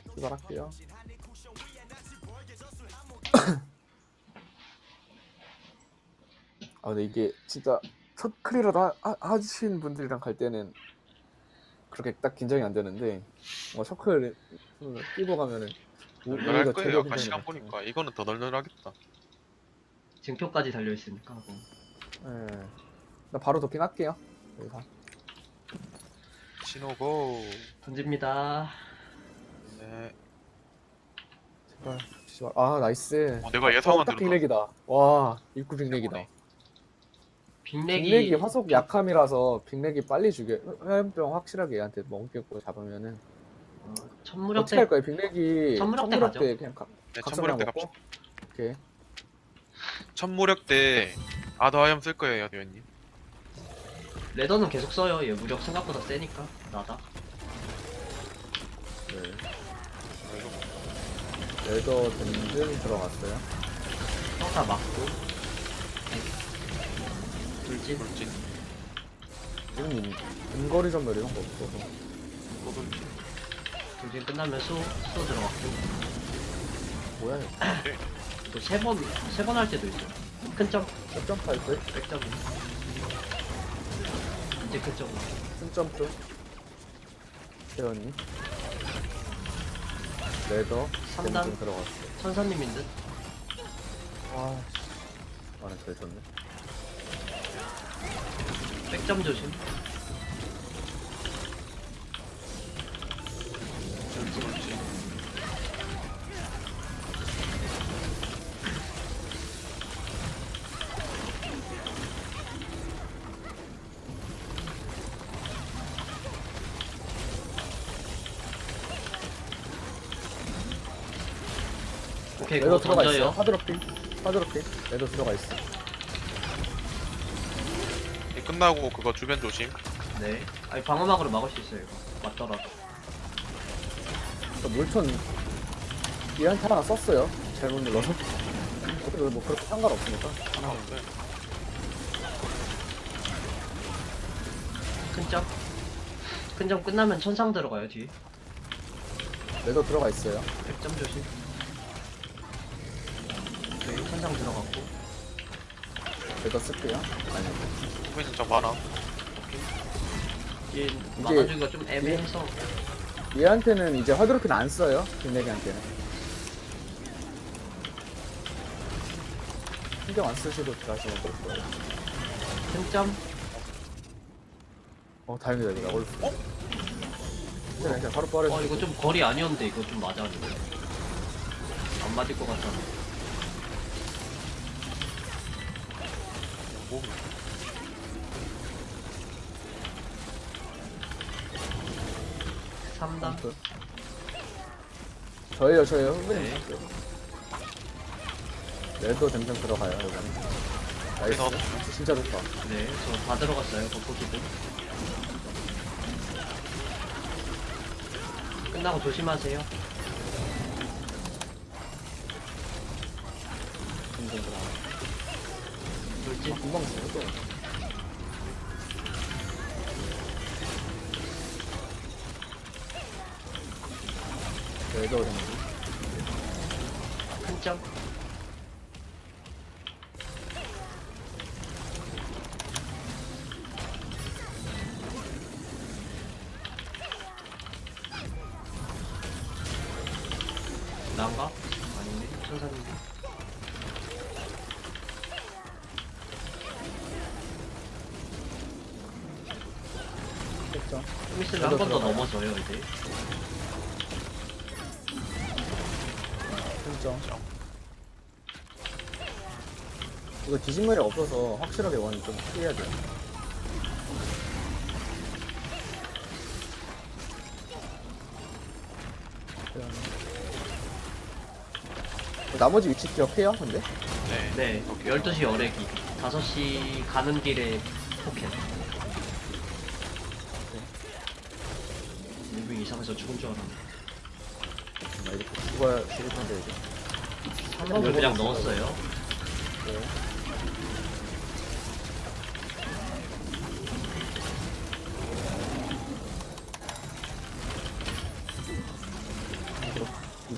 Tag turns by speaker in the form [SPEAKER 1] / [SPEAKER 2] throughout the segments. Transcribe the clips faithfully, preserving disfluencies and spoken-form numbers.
[SPEAKER 1] 출발할게요. 아 근데 이게 진짜 첫 클리어도 하, 하, 하신 분들이랑 갈 때는 그렇게 딱 긴장이 안 되는데 뭐 셔클 끼고 가면은 오-
[SPEAKER 2] 널널할
[SPEAKER 1] 오히려
[SPEAKER 2] 거예요.
[SPEAKER 1] 되려
[SPEAKER 2] 아까
[SPEAKER 1] 긴장이
[SPEAKER 2] 시간
[SPEAKER 1] 돼요.
[SPEAKER 2] 보니까 이거는 더 널널하겠다.
[SPEAKER 3] 징표까지 달려있으니까 하고.
[SPEAKER 1] 네. 나 바로 돕긴 할게요. 여기서.
[SPEAKER 2] 신호고.
[SPEAKER 3] 던집니다.
[SPEAKER 2] 네.
[SPEAKER 1] 제발 제발. 아 나이스.
[SPEAKER 2] 어, 내가 예상한
[SPEAKER 1] 딱
[SPEAKER 2] 대로
[SPEAKER 1] 빅렉이다. 와 입구 빅렉이다.
[SPEAKER 2] 해보네.
[SPEAKER 3] 빅렉이
[SPEAKER 1] 빅렉이 화속 약함이라서 빅렉이 빨리 죽여. 화염병 확실하게 얘한테 먹겠고 잡으면은
[SPEAKER 3] 어, 천무력
[SPEAKER 1] 어떻게 할
[SPEAKER 3] 때
[SPEAKER 1] 거예요? 빅렉이
[SPEAKER 3] 천무력 때
[SPEAKER 1] 천무력
[SPEAKER 3] 가죠.
[SPEAKER 1] 때 그냥 가,
[SPEAKER 2] 네,
[SPEAKER 1] 각성량
[SPEAKER 2] 천무력 때
[SPEAKER 1] 먹고.
[SPEAKER 2] 갑시다.
[SPEAKER 1] 오케이.
[SPEAKER 2] 천무력 때 아더하염 쓸 거예요, 대현님.
[SPEAKER 3] 레더는 계속 써요. 얘 무력 생각보다 세니까. 나다.
[SPEAKER 1] 네.
[SPEAKER 2] 그리고
[SPEAKER 1] 레더 든든 들어갔어요.
[SPEAKER 3] 평타 맞고. 돌진.
[SPEAKER 2] 돌진,
[SPEAKER 1] 지금 인- 인거리 전멸 이런 거 없어서.
[SPEAKER 2] 또 돌진.
[SPEAKER 3] 돌진 끝나면 수, 수 들어갔고.
[SPEAKER 1] 뭐야 이거.
[SPEAKER 3] 또 세 번, 세 번 할 때도 있어. 큰 점,
[SPEAKER 1] 점프 할 때?
[SPEAKER 3] 백점. 이제 큰 점.
[SPEAKER 1] 큰 점프. 태연님. 레더
[SPEAKER 3] 삼 단.
[SPEAKER 1] 든든 들어갔어요.
[SPEAKER 3] 천사님인 듯.
[SPEAKER 1] 와, 씨. 아나 잘 쳤네.
[SPEAKER 3] 백점 조심. 돌진.
[SPEAKER 2] 돌진.
[SPEAKER 3] 오케이,
[SPEAKER 1] 레더
[SPEAKER 3] 그거
[SPEAKER 1] 들어가 있어요.
[SPEAKER 3] 던져요.
[SPEAKER 1] 하드로핑. 하드로핑. 레더 들어가 있어.
[SPEAKER 2] 이 끝나고 그거 주변 조심.
[SPEAKER 3] 네. 아니, 방어막으로 막을 수 있어요, 이거. 맞더라도.
[SPEAKER 1] 저 물천 얘한테 하나 썼어요. 잘못 눌러서. 그래도 뭐 그렇게 상관없으니까. 하나.
[SPEAKER 2] 아, 네.
[SPEAKER 3] 큰 점. 큰 점 끝나면 천상 들어가요, 뒤에.
[SPEAKER 1] 레더 들어가 있어요.
[SPEAKER 3] 백점 조심. 오케이, 천상 들어갔고.
[SPEAKER 1] 레더 쓸게요. 아니.
[SPEAKER 2] 후배 진짜 많아.
[SPEAKER 3] 얘 막아주기가 좀 애매해서.
[SPEAKER 1] 얘한테는 이제 하드로핀 안 써요. 빅내기한테는. 신경 안 쓰시고 들어가시면 될 거예요.
[SPEAKER 3] 큰 점.
[SPEAKER 1] 어, 다행이다, 이거. 어? 어? 그냥, 그냥 바로 빠르
[SPEAKER 3] 어, 이거 좀 거리 아니었는데, 이거 좀 맞아. 이거. 안 맞을 것 같아.
[SPEAKER 2] 뭐,
[SPEAKER 3] 삼 단.
[SPEAKER 1] 저예요, 저예요. 선배님.
[SPEAKER 3] 네.
[SPEAKER 1] 레더 댐댐 들어가요, 이거는. 나이스.
[SPEAKER 2] 레더.
[SPEAKER 1] 진짜 좋다.
[SPEAKER 3] 네, 저 다 들어갔어요, 겉보기도. 끝나고 조심하세요.
[SPEAKER 1] 댐댐 들어가.
[SPEAKER 3] 돌진.
[SPEAKER 1] 금방 죽어, 또. 레더 댐댐.
[SPEAKER 3] 큰 점. 난가? 아니네, 천사님.
[SPEAKER 1] 됐죠.
[SPEAKER 3] 좀 있으면 한 번 더
[SPEAKER 1] 들어가요.
[SPEAKER 3] 넘어져요, 이제.
[SPEAKER 1] 진짜. 이거 뒤집말이 없어서 확실하게 원이 좀 피해야 돼요. 나머지 위치 기억해요, 근데?
[SPEAKER 2] 네.
[SPEAKER 3] 네, 열두 시 어레기. 다섯 시 가는 길에 포켓. 무빙 이상해서 죽은 줄 알았네.
[SPEAKER 1] 나 이렇게 죽어야 죽을 텐데, 이제.
[SPEAKER 3] 삼 번을 그냥 넣었어요.
[SPEAKER 1] 네.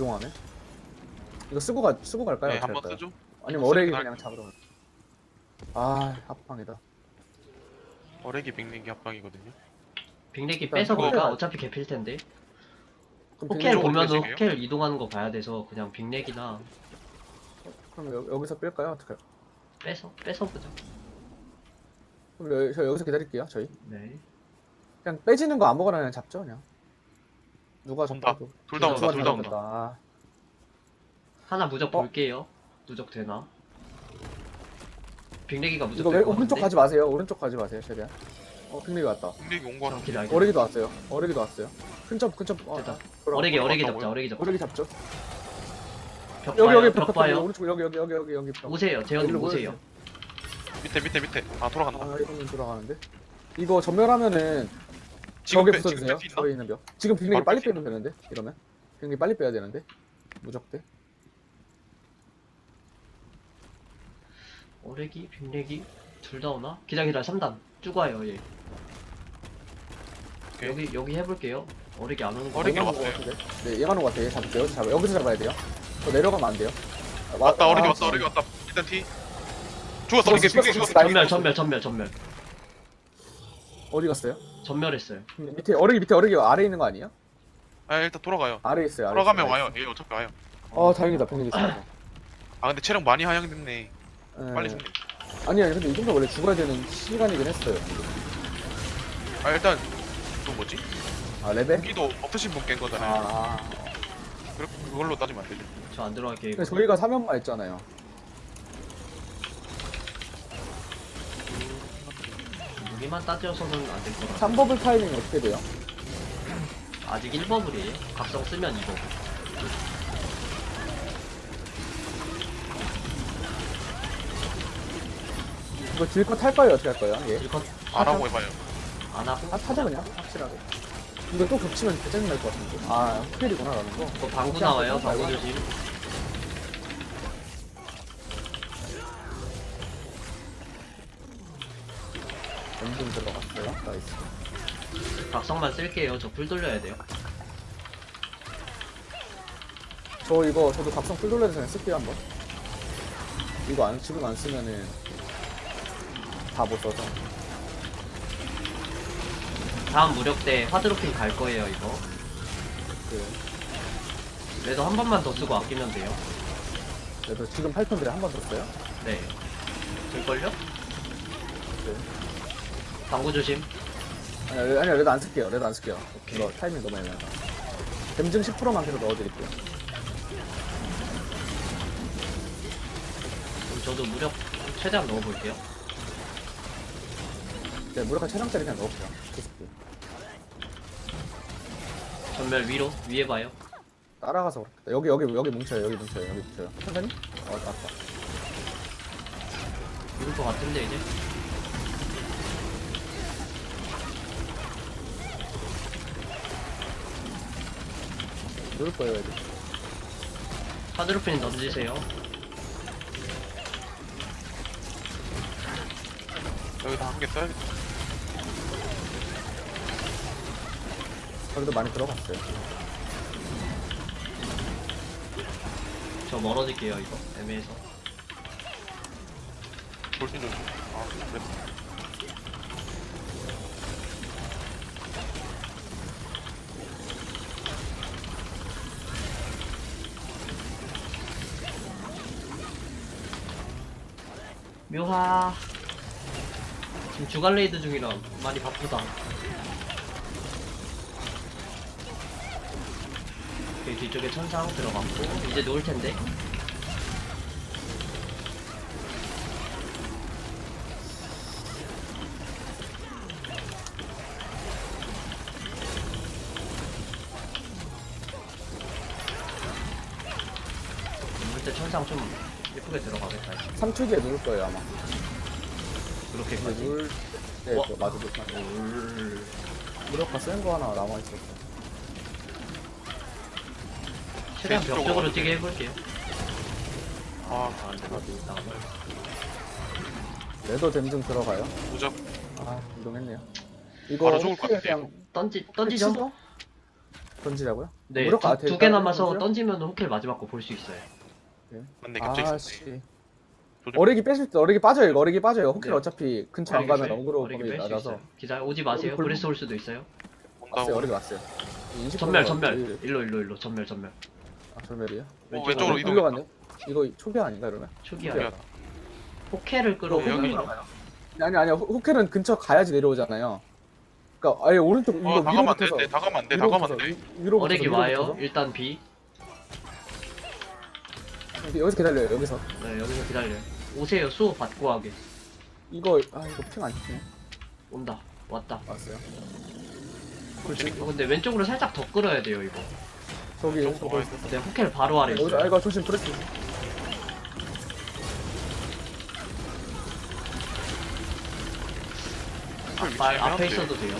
[SPEAKER 1] 이동하네. 이거 쓰고 가 쓰고 갈까요?
[SPEAKER 2] 네,
[SPEAKER 1] 어떻게
[SPEAKER 2] 한번
[SPEAKER 1] 할까요?
[SPEAKER 2] 쓰죠.
[SPEAKER 1] 아니면 어레기
[SPEAKER 2] 쓰긴
[SPEAKER 1] 그냥 잡으러 갈. 아 합방이다.
[SPEAKER 2] 어레기 빅링기 합방이거든요.
[SPEAKER 3] 빅렉이
[SPEAKER 1] 일단
[SPEAKER 3] 뺏어
[SPEAKER 1] 그거-
[SPEAKER 3] 볼까? 어차피 개필 텐데.
[SPEAKER 1] 그럼
[SPEAKER 3] 호켈
[SPEAKER 2] 빅렉
[SPEAKER 3] 보면은
[SPEAKER 2] 쪽으로 빼실게요?
[SPEAKER 3] 호켈 이동하는 거 봐야 돼서 그냥 빅렉이나
[SPEAKER 1] 그럼 여, 여기서 뺄까요? 어떻게? 할까요?
[SPEAKER 3] 뺏어 뺏어 보자.
[SPEAKER 1] 그럼 여, 저 여기서 기다릴게요. 저희
[SPEAKER 3] 네.
[SPEAKER 1] 그냥 빼지는 거 아무거나 그냥 잡죠 그냥. 누가
[SPEAKER 2] 온다.
[SPEAKER 1] 잡아도.
[SPEAKER 2] 둘 다 온다.
[SPEAKER 3] 누가
[SPEAKER 2] 둘 다 온다.
[SPEAKER 1] 아,
[SPEAKER 3] 하나 무적
[SPEAKER 1] 어?
[SPEAKER 3] 볼게요. 무적 되나? 빅렉이가 무적
[SPEAKER 1] 이거 왜
[SPEAKER 3] 될것
[SPEAKER 1] 오른쪽
[SPEAKER 3] 같은데?
[SPEAKER 1] 가지 마세요. 오른쪽 가지 마세요. 최대한. 어 빅리가 왔다.
[SPEAKER 2] 빅링기 온 거랑
[SPEAKER 3] 정확히 알겠어.
[SPEAKER 1] 어레기도 왔어요. 어레기도 왔어요. 큰점 큰점. 어,
[SPEAKER 3] 됐다.
[SPEAKER 1] 돌아가.
[SPEAKER 3] 어레기 어레기
[SPEAKER 2] 왔다고요?
[SPEAKER 3] 잡자. 어레기 잡자.
[SPEAKER 1] 어레기 잡죠.
[SPEAKER 3] 벽
[SPEAKER 1] 여기
[SPEAKER 3] 봐요.
[SPEAKER 1] 여기
[SPEAKER 3] 벽
[SPEAKER 1] 벽
[SPEAKER 3] 봐요.
[SPEAKER 1] 봐요. 오른쪽 여기 여기 여기 여기 여기 벽.
[SPEAKER 3] 오세요. 재현님
[SPEAKER 1] 여기로
[SPEAKER 3] 오세요.
[SPEAKER 2] 밑에 밑에 밑에. 아 돌아간다.
[SPEAKER 1] 아 이러면 돌아가는데. 이거 전멸하면은
[SPEAKER 2] 지금
[SPEAKER 1] 벽에
[SPEAKER 2] 빼, 지금
[SPEAKER 1] 붙어주세요.
[SPEAKER 2] 뺄수 있나?
[SPEAKER 1] 저기 있는 벽. 지금 빅리기
[SPEAKER 2] 바로
[SPEAKER 1] 빨리
[SPEAKER 2] 뺄수
[SPEAKER 1] 빼면 되는데 이러면 빅리기 빨리 빼야 되는데 무적대.
[SPEAKER 3] 어레기 빅렉이 둘 다 오나? 기다 기다 삼 단 쭉 와요 얘.
[SPEAKER 2] 오케이.
[SPEAKER 3] 여기 여기 해볼게요. 어레기 안 오는 거.
[SPEAKER 2] 어레기
[SPEAKER 1] 얘가 오는
[SPEAKER 2] 왔어요.
[SPEAKER 1] 것 같은데? 네, 얘가 오는 것 같아. 얘 잡을게요. 여기서 잡아. 여기서 잡아야 돼요. 저 내려가면 안 돼요. 아, 와-
[SPEAKER 2] 왔다. 어레기
[SPEAKER 1] 아,
[SPEAKER 2] 왔다. 어레기 왔다. 일단 T. 죽었어. 빅링기
[SPEAKER 1] 죽었어,
[SPEAKER 2] 빅링기
[SPEAKER 1] 죽었어.
[SPEAKER 2] 죽었어.
[SPEAKER 3] 전멸 전멸 전멸 전멸
[SPEAKER 1] 어디 갔어요?
[SPEAKER 3] 전멸했어요.
[SPEAKER 1] 밑에 어레기 밑에 어레기 아래 있는 거 아니에요?
[SPEAKER 2] 아 일단 돌아가요.
[SPEAKER 1] 아래 있어요. 아래
[SPEAKER 2] 돌아가면
[SPEAKER 1] 있어요.
[SPEAKER 2] 와요. 얘 어차피 와요.
[SPEAKER 1] 어 다행이다. 빅리기 있어.
[SPEAKER 2] 아 근데 체력 많이 하향됐네. 빨리
[SPEAKER 1] 네.
[SPEAKER 2] 죽네.
[SPEAKER 1] 아니 아니 근데 이 정도 원래 죽어야 되는 시간이긴 했어요.
[SPEAKER 2] 아 일단 또 뭐지?
[SPEAKER 1] 아 레벨?
[SPEAKER 2] 무기도 없으신 분 깬 거잖아요.
[SPEAKER 1] 아.
[SPEAKER 2] 그렇 그걸로 따지면 안 되죠.
[SPEAKER 3] 저 안 들어갈게요.
[SPEAKER 1] 근데
[SPEAKER 3] 이거.
[SPEAKER 1] 저희가 사면만 했잖아요.
[SPEAKER 3] 무기만 따져서는 안 될 것 같아.
[SPEAKER 1] 삼 버블 타이밍 어떻게 돼요?
[SPEAKER 3] 아직 일 버블이에요. 각성 쓰면 이 버블.
[SPEAKER 1] 이거 딜컷 탈 거예요? 어떻게 할 거예요? 예.
[SPEAKER 3] 일컷
[SPEAKER 2] 안 하고 해봐요.
[SPEAKER 3] 안 하고.
[SPEAKER 1] 아 타자 그냥 확실하게. 이거 또 겹치면 개짜증 날 것 같은데. 아 스킬이구나 라는 거.
[SPEAKER 3] 그 방구 나와요. 방구
[SPEAKER 1] 말고.
[SPEAKER 3] 조심.
[SPEAKER 1] 엔딩 들어갔어요. 나이스.
[SPEAKER 3] 각성만 쓸게요. 저 풀 돌려야 돼요.
[SPEAKER 1] 저 이거 저도 각성 풀 돌려서 그냥 쓸게요 한번. 이거 안 지금 안 쓰면은 다 못 써서.
[SPEAKER 3] 다음 무력 때 화드로핑 갈 거예요. 이거.
[SPEAKER 1] 그
[SPEAKER 3] 그래도 한 번만 더 쓰고 아끼면 돼요.
[SPEAKER 1] 그래도 지금 팔 톤들에 한 번 썼어요.
[SPEAKER 3] 네. 될걸요?
[SPEAKER 1] 네.
[SPEAKER 3] 방구 조심.
[SPEAKER 1] 아니야 레- 아니야 레드 안 쓸게요. 레드 안 쓸게요.
[SPEAKER 3] 오케이.
[SPEAKER 1] 이거 타이밍 너무 애매하다. 댐증 십 퍼센트만 계속 넣어드릴게요.
[SPEAKER 3] 그럼 저도 무력 최대한 넣어볼게요.
[SPEAKER 1] 네, 무력화 체력짜리 그냥 넣을게요. 계속.
[SPEAKER 3] 전멸 위로 위에 봐요.
[SPEAKER 1] 따라가서 그렇겠다. 여기 여기 여기 뭉쳐요. 여기 뭉쳐요. 여기 뭉쳐요. 천천히? 어 맞다.
[SPEAKER 3] 이럴 것 같은데 이제.
[SPEAKER 1] 누를 거예요 애들.
[SPEAKER 3] 화드로핑 던지세요.
[SPEAKER 2] 여기다 한 개 써야겠다.
[SPEAKER 1] 저기도 많이 들어갔어요.
[SPEAKER 3] 저 멀어질게요 이거 애매해서.
[SPEAKER 2] 돌진 조심. 아 그래.
[SPEAKER 3] 묘하. 지금 주간 레이드 중이라 많이 바쁘다. 여기 뒤쪽에 천상 들어갔고 이제 놓을 텐데. 놓을 때 천상 좀 예쁘게 들어가겠다. 이제.
[SPEAKER 1] 삼 초 뒤에 누를 거예요 아마. 근데
[SPEAKER 3] 그렇게까지.
[SPEAKER 1] 누를 네,
[SPEAKER 3] 와.
[SPEAKER 1] 저 맞아 맞아.
[SPEAKER 3] 올.
[SPEAKER 1] 무력화 센 거 하나 남아 있었어.
[SPEAKER 3] 최대한
[SPEAKER 2] 왼쪽으로
[SPEAKER 3] 벽쪽으로
[SPEAKER 2] 어떻게?
[SPEAKER 3] 뛰게 해볼게요.
[SPEAKER 2] 아
[SPEAKER 3] 아, 내가 나가.
[SPEAKER 1] 레더 댐증 들어가요.
[SPEAKER 2] 무적.
[SPEAKER 1] 아 이동했네요. 이거
[SPEAKER 2] 바로 죽을 것
[SPEAKER 1] 혹시
[SPEAKER 2] 같아요.
[SPEAKER 1] 그냥
[SPEAKER 3] 던지 던지죠.
[SPEAKER 1] 치죠? 던지라고요?
[SPEAKER 3] 네,
[SPEAKER 1] 무력- 아,
[SPEAKER 3] 두 개
[SPEAKER 1] 대단한
[SPEAKER 3] 남아서
[SPEAKER 1] 건데요?
[SPEAKER 3] 던지면 호켈 마지막 거 볼 수 있어요.
[SPEAKER 2] 맞네 갑자기 있었네.
[SPEAKER 1] 아씨.
[SPEAKER 2] 조절-
[SPEAKER 1] 어리기 빼실 때 어리기 빠져요. 이거 어리기 빠져요. 호킬
[SPEAKER 3] 네.
[SPEAKER 1] 어차피 근처 안
[SPEAKER 3] 어리기
[SPEAKER 1] 가면
[SPEAKER 3] 빼-
[SPEAKER 1] 어그로
[SPEAKER 3] 어리기
[SPEAKER 1] 범위
[SPEAKER 3] 뺄 수
[SPEAKER 1] 낮아서.
[SPEAKER 3] 있어요. 기자 오지 마세요.
[SPEAKER 1] 골-
[SPEAKER 3] 브레스 올 수도 있어요.
[SPEAKER 1] 왔어요.
[SPEAKER 2] 온다고.
[SPEAKER 1] 어리기 왔어요. 이십
[SPEAKER 3] 전멸
[SPEAKER 1] 퍼센트가
[SPEAKER 3] 전멸.
[SPEAKER 1] 제일-
[SPEAKER 3] 일로 일로 일로 전멸 전멸.
[SPEAKER 1] 아 전멸이요?
[SPEAKER 2] 어, 왼쪽으로 이동.
[SPEAKER 1] 일로 갔네. 이거 초기 아닌가 이러면?
[SPEAKER 3] 초기야.
[SPEAKER 2] 초기야.
[SPEAKER 3] 호켈을 끌어오면
[SPEAKER 2] 여기-
[SPEAKER 1] 아니 아니요. 호- 호켈은 근처 가야지 내려오잖아요. 그러니까 아예 오른쪽 이거
[SPEAKER 2] 어
[SPEAKER 1] 위로
[SPEAKER 2] 다가면 안
[SPEAKER 1] 붙어서
[SPEAKER 2] 되는데 다가면 안돼
[SPEAKER 1] 위로
[SPEAKER 2] 다가면
[SPEAKER 1] 붙어서,
[SPEAKER 2] 안돼.
[SPEAKER 1] 위- 위로 붙어서,
[SPEAKER 3] 어렉이
[SPEAKER 1] 위로
[SPEAKER 3] 와요.
[SPEAKER 1] 붙어서.
[SPEAKER 3] 일단 B.
[SPEAKER 1] 여기서 기다려요. 여기서
[SPEAKER 3] 네 여기서 기다려요. 오세요. 수호 받고 하게.
[SPEAKER 1] 이거 아 이거 핑안 찍네.
[SPEAKER 3] 온다. 왔다.
[SPEAKER 1] 왔어요.
[SPEAKER 3] 어, 근데 왼쪽으로 살짝 더 끌어야 돼요 이거.
[SPEAKER 1] 저기
[SPEAKER 2] 좀
[SPEAKER 1] 저거
[SPEAKER 2] 와야
[SPEAKER 1] 있었어.
[SPEAKER 3] 네 호켈 바로 아래
[SPEAKER 1] 여기서 아
[SPEAKER 3] 있어요.
[SPEAKER 1] 이거 조심 브레스.
[SPEAKER 3] 아, 앞에 있어도 돼요.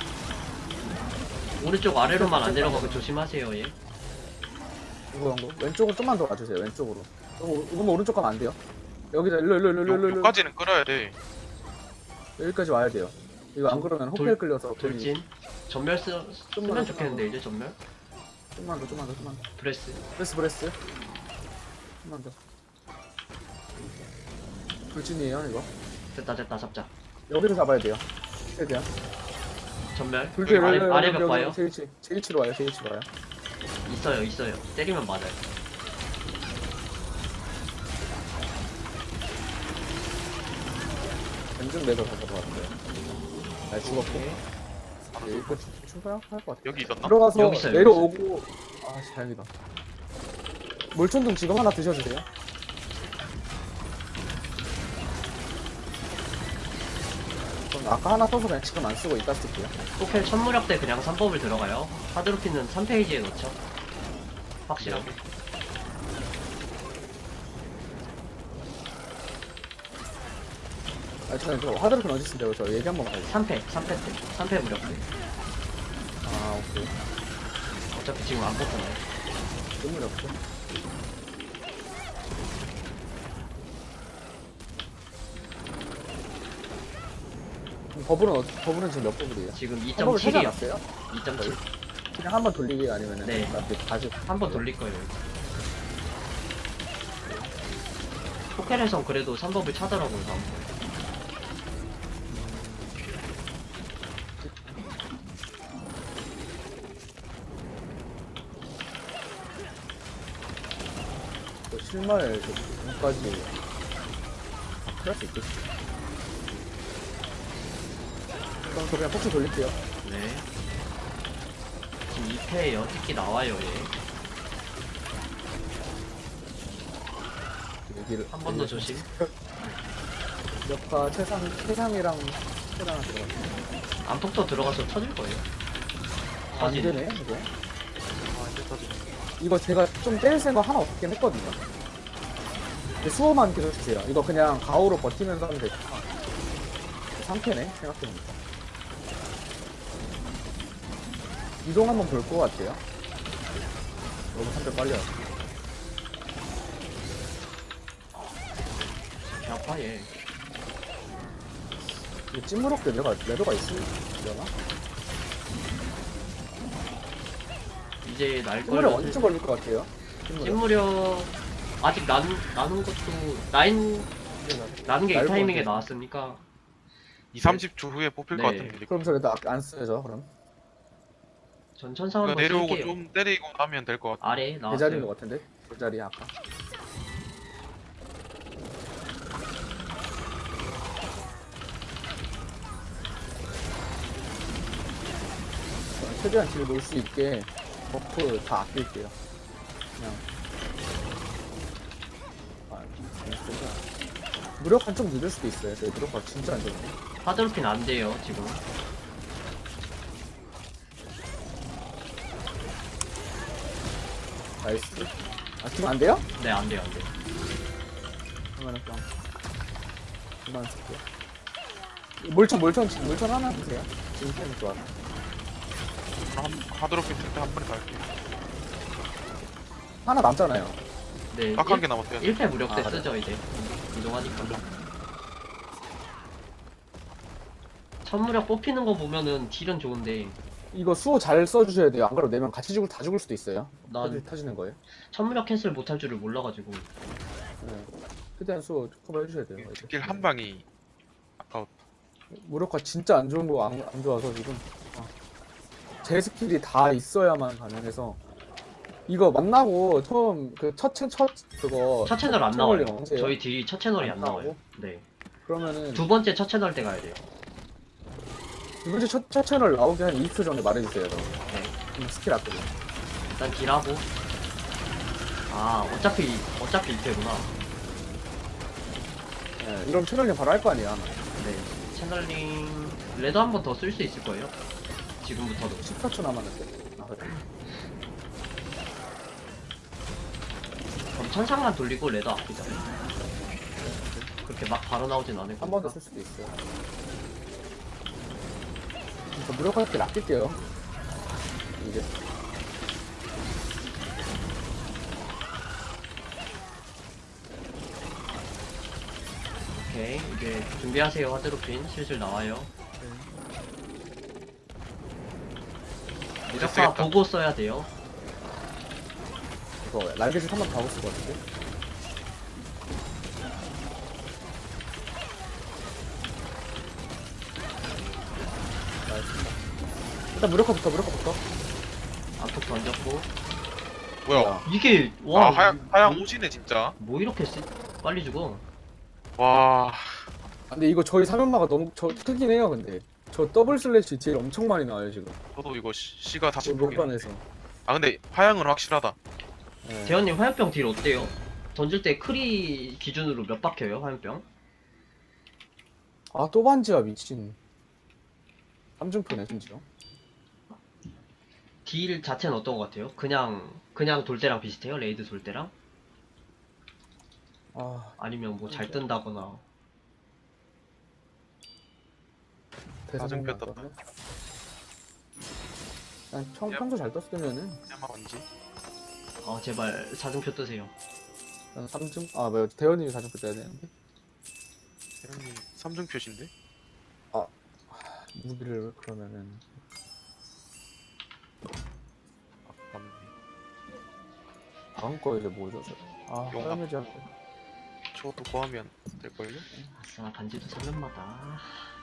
[SPEAKER 3] 오른쪽 아래로만 안 내려가고 조심하세요 얘.
[SPEAKER 1] 이거 이거 왼쪽으로 좀만 더 와주세요. 왼쪽으로. 이거 이거 오른쪽 가면 안 돼요. 여기다 일로 일로 일로 일로 일로
[SPEAKER 2] 여기까지는 끌어야 돼.
[SPEAKER 1] 여기까지 와야 돼요. 이거 안 그러면 호텔 끌려서 거의
[SPEAKER 3] 돌진. 전멸 쓰,
[SPEAKER 1] 좀만
[SPEAKER 3] 쓰면
[SPEAKER 1] 더,
[SPEAKER 3] 좋겠는데 이제 전멸.
[SPEAKER 1] 좀만 더 좀만 더 좀만 더.
[SPEAKER 3] 브레스.
[SPEAKER 1] 브레스 브레스. 좀만 더. 돌진이에요 이거.
[SPEAKER 3] 됐다 됐다 잡자.
[SPEAKER 1] 여기서 잡아야 돼요. 최대한.
[SPEAKER 3] 전멸.
[SPEAKER 1] 돌진
[SPEAKER 3] 아래,
[SPEAKER 1] 여기,
[SPEAKER 3] 아래
[SPEAKER 1] 여기,
[SPEAKER 3] 벽
[SPEAKER 1] 여기,
[SPEAKER 3] 봐요.
[SPEAKER 1] 제일치 제일치로 와요. 제일치로 와요.
[SPEAKER 3] 있어요 있어요. 때리면 맞아요.
[SPEAKER 1] 왼쪽 내가 가서 봤는데. 날 죽었고. 네, 이거 출발할 것 같아.
[SPEAKER 2] 여기 있었나?
[SPEAKER 1] 들어가서
[SPEAKER 3] 여기 있어요,
[SPEAKER 1] 내려오고. 아, 씨, 다행이다. 몰촌동 지금 하나 드셔주세요. 전 아까 하나 써서 그냥 지금 안 쓰고 이따 쓸게요.
[SPEAKER 3] 호켈 천무력 때 그냥 삼 법을 들어가요. 하드로피는 삼 페이지에 넣죠. 확실하게.
[SPEAKER 1] 아, 저는 저 하드로핀 어디 있는데요? 저 얘기 한번 가요.
[SPEAKER 3] 삼 패, 삼 패 때. 삼 패 무력 때.
[SPEAKER 1] 아, 오케이.
[SPEAKER 3] 어차피 지금 안 뽑잖아요.
[SPEAKER 1] 눈물이 없죠. 그럼 버블은 어, 버블은 지금 몇 버블이에요?
[SPEAKER 3] 지금
[SPEAKER 1] 버블
[SPEAKER 3] 이점칠이요.
[SPEAKER 1] 찾아놨어요?
[SPEAKER 3] 이 점 칠.
[SPEAKER 1] 그냥 한 번 돌리기 아니면은
[SPEAKER 3] 네.
[SPEAKER 1] 이렇게 다시
[SPEAKER 3] 한 번 돌릴 거예요. 호켈에선 그래도 삼 법을 찾으라고요, 다음 번.
[SPEAKER 1] 또 실마리 까지 할수 있겠지. 그럼 저 그냥 폭주 돌릴게요.
[SPEAKER 3] 네. 지금 이 패에요. 특히 나와요, 얘.
[SPEAKER 1] 여기를
[SPEAKER 3] 한 번 더 조심.
[SPEAKER 1] 역파 최상 최상이랑 최상을 들어갔어.
[SPEAKER 3] 암폭도 들어가서 터질 거예요.
[SPEAKER 1] 안
[SPEAKER 3] 터지네.
[SPEAKER 1] 되네 이거.
[SPEAKER 2] 아 이제 터지.
[SPEAKER 1] 이거 제가 좀 때릴 생각 하나 없긴 했거든요. 근데 수호만 계속 주세요. 이거 그냥 가오로 버티면서 하면 되겠다. 상태네 생각해보니까. 이동 한번 볼 것 같아요. 너무 삼 배 빨리 왔어.
[SPEAKER 3] 개 아파, 얘.
[SPEAKER 1] 이거 찐무럭 레더가 레더가 있으려나?
[SPEAKER 3] 이제 날
[SPEAKER 1] 찐무럭
[SPEAKER 3] 걸로.
[SPEAKER 1] 언제쯤 걸릴 것 같아요? 찐무럭.
[SPEAKER 3] 찐무력 아직 난, 나눈 것도 라인 나는 게 이
[SPEAKER 1] 날
[SPEAKER 3] 타이밍에
[SPEAKER 1] 것
[SPEAKER 3] 나왔으니까
[SPEAKER 2] 이, 삼십 초 후에 뽑힐
[SPEAKER 3] 네.
[SPEAKER 2] 것 같은데.
[SPEAKER 1] 그럼 저 레더 안 쓰죠 그럼?
[SPEAKER 3] 전 천상
[SPEAKER 2] 이거
[SPEAKER 3] 한번
[SPEAKER 2] 내려오고
[SPEAKER 3] 쓸게요.
[SPEAKER 2] 좀 때리고 하면 될 것 같아.
[SPEAKER 3] 아래
[SPEAKER 1] 제 자리인 것
[SPEAKER 3] 나왔어요.
[SPEAKER 1] 같은데? 그 자리야 아까. 최대한 뒤로 놓을 수 있게 버프 다 아낄게요. 그냥. 아, 진짜. 무력한 좀 늦을 수도 있어요. 저희 무력화 진짜 안 좋은데.
[SPEAKER 3] 하드로핀 안 돼요 지금.
[SPEAKER 1] 나이스. 아, 지금 안 돼요?
[SPEAKER 3] 네 안 돼요 안 돼요.
[SPEAKER 1] 그러면은 그냥. 그만 쓸게요. 몰천, 몰천, 몰천 하나 주세요. 지금 좀 좋아.
[SPEAKER 2] 한 하드로핀 쓸때 한 번에 갈게.
[SPEAKER 1] 하나 남잖아요.
[SPEAKER 3] 네
[SPEAKER 2] 딱 한 개 남았어요.
[SPEAKER 3] 일 패 무력 때
[SPEAKER 1] 아,
[SPEAKER 3] 쓰죠 이제. 이동하니까. 천무력 뽑히는 거 보면은 딜은 좋은데
[SPEAKER 1] 이거 수호 잘 써주셔야 돼요. 안 그러면 네 명 같이 죽을 다 죽을 수도 있어요.
[SPEAKER 3] 난
[SPEAKER 1] 터지, 터지는 거예요.
[SPEAKER 3] 천무력 캔슬 못할 줄을 몰라가지고.
[SPEAKER 1] 네. 최대한 수호 커버 해주셔야 돼요. 이제.
[SPEAKER 2] 스킬 한 방이 아까웠.
[SPEAKER 1] 무력화 진짜 안 좋은 거 안 안 좋아서 지금 아. 제 스킬이 다 있어야만 가능해서 이거 만나고 처음 그첫첫 그거
[SPEAKER 3] 첫 채널 안
[SPEAKER 1] 첫
[SPEAKER 3] 나와요.
[SPEAKER 1] 채널이 언제예요?
[SPEAKER 3] 저희 딜이 첫 채널이
[SPEAKER 1] 안
[SPEAKER 3] 안 나와요.
[SPEAKER 1] 나오고?
[SPEAKER 3] 네.
[SPEAKER 1] 그러면은
[SPEAKER 3] 두 번째 첫 채널 때 가야 돼요.
[SPEAKER 1] 두 번째 첫, 첫 채널 나오기 한 이십 초 전에 말해주세요. 그럼.
[SPEAKER 3] 네.
[SPEAKER 1] 그럼 스킬 앞에.
[SPEAKER 3] 일단 딜하고. 아, 어차피, 어차피 일 패구나.
[SPEAKER 1] 네, 이러면 채널링 바로 할 거 아니야.
[SPEAKER 3] 네. 채널링, 레드 한 번 더 쓸 수 있을 거예요. 지금부터도.
[SPEAKER 1] 십사 초 남았는데. 아, 그래.
[SPEAKER 3] 그럼 천상만 돌리고 레드 아끼자. 그렇게 막 바로 나오진 않을
[SPEAKER 1] 한 번
[SPEAKER 3] 거니까.
[SPEAKER 1] 더 쓸 수도 있어요. 저 무력화 스킬 아낄게요. 이제.
[SPEAKER 3] 오케이. 이제 준비하세요. 하드로핀. 슬슬 나와요. 무력화
[SPEAKER 2] 쓰겠다.
[SPEAKER 3] 보고 써야 돼요.
[SPEAKER 1] 이거 날개짓 한번 더 하고 쓸 것 같은데. 나이스. 일단 무력화부터 무력화부터.
[SPEAKER 3] 암폭 던졌고.
[SPEAKER 2] 뭐야?
[SPEAKER 3] 이게, 와.
[SPEAKER 2] 아 하양 하양
[SPEAKER 3] 뭐,
[SPEAKER 2] 오지네 진짜.
[SPEAKER 3] 뭐 이렇게 쓰, 빨리 죽어.
[SPEAKER 2] 와.
[SPEAKER 1] 아, 근데 이거 저희 사면마가 너무 저 크긴 해요. 근데 저 더블 슬래시 딜 엄청 많이 나와요 지금.
[SPEAKER 2] 저도 이거 시, 시가 다시 보긴.
[SPEAKER 1] 목판에서.
[SPEAKER 2] 아 근데 하양은 확실하다.
[SPEAKER 1] 네.
[SPEAKER 3] 재현님 화염병 딜 어때요? 던질 때 크리 기준으로 몇 박혀요 화염병?
[SPEAKER 1] 아, 또 반지야 미친. 삼중표네 심지어.
[SPEAKER 3] 딜 자체는 어떤 것 같아요? 그냥 그냥 돌 때랑 비슷해요? 레이드 돌 때랑?
[SPEAKER 1] 아,
[SPEAKER 3] 아니면 뭐 잘 뜬다거나.
[SPEAKER 1] 대사정
[SPEAKER 2] 사중표 떴다.
[SPEAKER 1] 그냥 평,
[SPEAKER 2] 야.
[SPEAKER 1] 평소 잘 떴으면은
[SPEAKER 2] 야마 언지?
[SPEAKER 3] 아 제발 사중표 뜨세요.
[SPEAKER 1] 난 삼중 아 뭐야 대현님이 사중표 떠야 되는데
[SPEAKER 2] 대현님 삼중 표시인데?
[SPEAKER 1] 무기를 그러면은
[SPEAKER 2] 아 맞네.
[SPEAKER 1] 다음 거 이제 뭐죠? 저? 아
[SPEAKER 2] 용암.
[SPEAKER 1] 화염의지 할 거.
[SPEAKER 2] 저것도 구하면 될걸요?
[SPEAKER 3] 아싸 반지도 삼면마다.